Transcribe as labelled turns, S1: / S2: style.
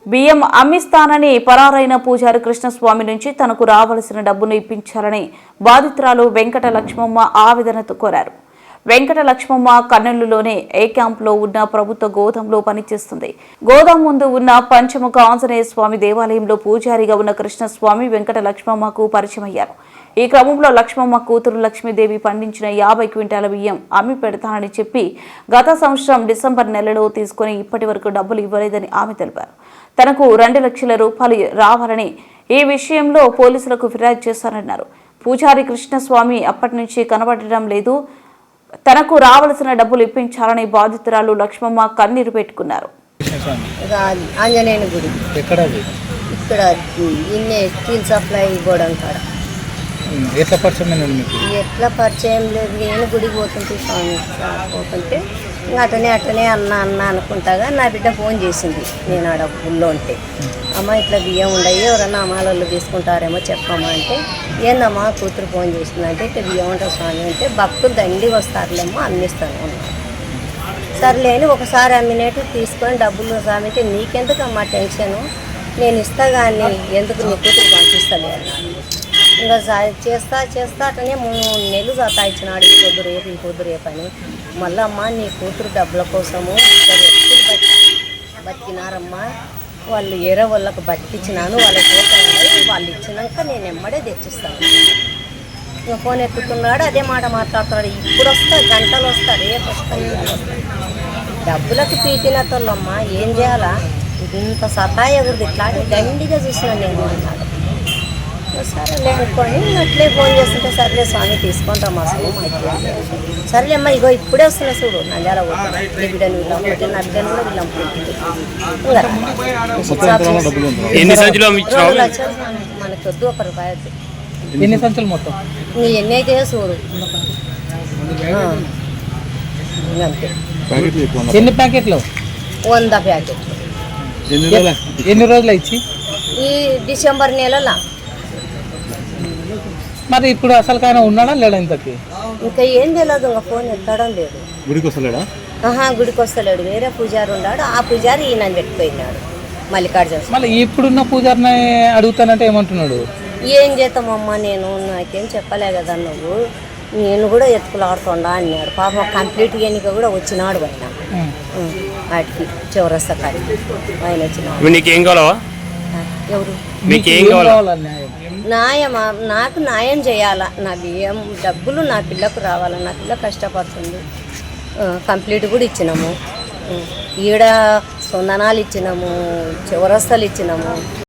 S1: బియ్యం అమ్మిస్తానని పరారైన పూజారి కృష్ణస్వామి నుంచి తనకు రావాల్సిన డబ్బును ఇప్పించాలని బాధితురాలు వెంకట లక్ష్మమ్మ ఆవేదనతో కోరారు. వెంకట లక్ష్మమ్మ కర్నూలులోని ఏ క్యాంపులో ఉన్న ప్రభుత్వ గోదాంలో పనిచేస్తుంది. గోదాం ముందు ఉన్న పంచముఖ ఆంజనేయ స్వామి దేవాలయంలో పూజారిగా ఉన్న కృష్ణస్వామి వెంకట లక్ష్మమ్మకు పరిచయమయ్యారు. ఈ క్రమంలో లక్ష్మమ్మ కూతురు లక్ష్మీదేవి పండించిన 50 క్వింటాల బియ్యం అమ్మి పెడతానని చెప్పి గత సంవత్సరం డిసెంబర్ నెలలో తీసుకుని ఇప్పటి వరకు డబ్బులు ఇవ్వలేదని ఆమె తెలిపారు. తనకు 2 లక్షల రూపాయలు రావాలని ఈ విషయంలో పోలీసులకు ఫిర్యాదు చేశారన్నారు. పూజారి కృష్ణస్వామి అప్పటి నుంచి కనబడడం లేదు. తనకు రావాల్సిన డబ్బులు ఇప్పించాలని బాధితురాలు లక్ష్మమ్మ కన్నీరు పెట్టుకున్నారు.
S2: ఆంజనేయుని గుడి ఇక్కడ స్టీల్ సప్లై గోడం కాడ
S3: ఎట్లా
S2: పరిచయం లేదు. నేను గుడికి పోతుంటే పోతుంటే అటనే అన్న అనుకుంటాగా నా బిడ్డ ఫోన్ చేసింది. నేను ఆడ ఊళ్ళో ఉంటే, అమ్మ ఇట్లా బియ్యం ఉండయి, ఎవరన్నా అమ్మాలలో తీసుకుంటారేమో చెప్పమ్మా అంటే, ఏందమ్మా కూతురు ఫోన్ చేసిందంటే ఇట్లా బియ్యం ఉంటుంది స్వామి అంటే, భక్తులు దండిగా వస్తారులేమో అమ్మిస్తాను అన్నాను. సర్లేని ఒకసారి అమ్మినట్టు తీసుకొని డబ్బులు స్వామి అంటే, నీకెందుకమ్మా టెన్షను, నేను ఇస్తా కానీ ఎందుకు నీ కూతురు పంపిస్తాను అన్నాను. ఇంకా చేస్తా అతనే 3 నెలలు సతాయించినాడు. ఈ పొద్దు రేపు అని. మళ్ళీ అమ్మ నీ కూతురు డబ్బుల కోసము 2 వ్యక్తులు బతికినారమ్మా, వాళ్ళు ఏరే వాళ్ళకు బతికిచ్చినాను, వాళ్ళకి వాళ్ళు ఇచ్చినాక నేను ఎమ్మడే తెచ్చిస్తాను. ఇంకా ఫోన్ ఎత్తుతున్నాడు, అదే మాట మాట్లాడుతున్నాడు. ఇప్పుడు వస్తా, గంటలు వస్తా, రేపు వస్తా. డబ్బులకు పీకినతోళ్ళమ్మా ఏం చేయాలా, ఇంత సతాయకూడదు, ఇట్లా దండిగా చూసినాను నేను అన్నాడు. సరేలే అనుకోని అట్లే ఫోన్ చేస్తుంటే, సర్లే స్వామి తీసుకుంటాం అసలు సర్లే అమ్మ ఇగో ఇప్పుడే వస్తున్నా చూడు, నంద్యాల పోతున్నా, నీ బిడ్డను వీళ్ళంపుకుంటే నా బిడ్డను కూడా వీళ్ళంపుకుంటుంది. మనకి వద్దు, 1 రూపాయి వద్దు.
S3: ఎన్ని సంచులు మొత్తం
S2: నీ ఎన్ని అయితే చూడు అంతే.
S3: ఎన్ని ప్యాకెట్లు?
S2: 100 ప్యాకెట్లు.
S3: ఎన్ని రోజులు ఇచ్చి?
S2: ఈ డిసెంబర్ నెలలో.
S3: మరి ఇప్పుడు అసలు కానీ ఉన్నాడా లేడా? ఇంతకి
S2: ఇంకా ఏం తెలియదు, ఇంకా ఫోన్ ఎత్తడం లేదు.
S3: గుడికి వస్తలేడా?
S2: గుడికి వస్తలేడు. వేరే పూజారి ఉన్నాడు, ఆ పూజారి ఈయన పెట్టుకున్నాడు మల్లికార్జున.
S3: మళ్ళీ ఇప్పుడున్న పూజారిని అడుగుతానంటే ఏమంటున్నాడు?
S2: ఏం చేస్తామమ్మా, నేను నాకేం చెప్పలే కదా నువ్వు, నేను కూడా ఎత్తుకులాడుతుండా అన్నాడు. పాపం కంప్లీట్గా ఎన్నిక కూడా వచ్చినాడు ఆయన వాటికి చౌరస్తా కాడికి ఆయన వచ్చినాడు. ఎవరు న్యాయమా? నాకు న్యాయం చేయాలా, నా బియ్యం డబ్బులు నా పిల్లకు రావాలా, నా పిల్ల కష్టపడుతుంది. కంప్లీట్ కూడా ఇచ్చినాము, ఈడ సొందనాలు ఇచ్చినాము, చౌరస్తాలు ఇచ్చినాము.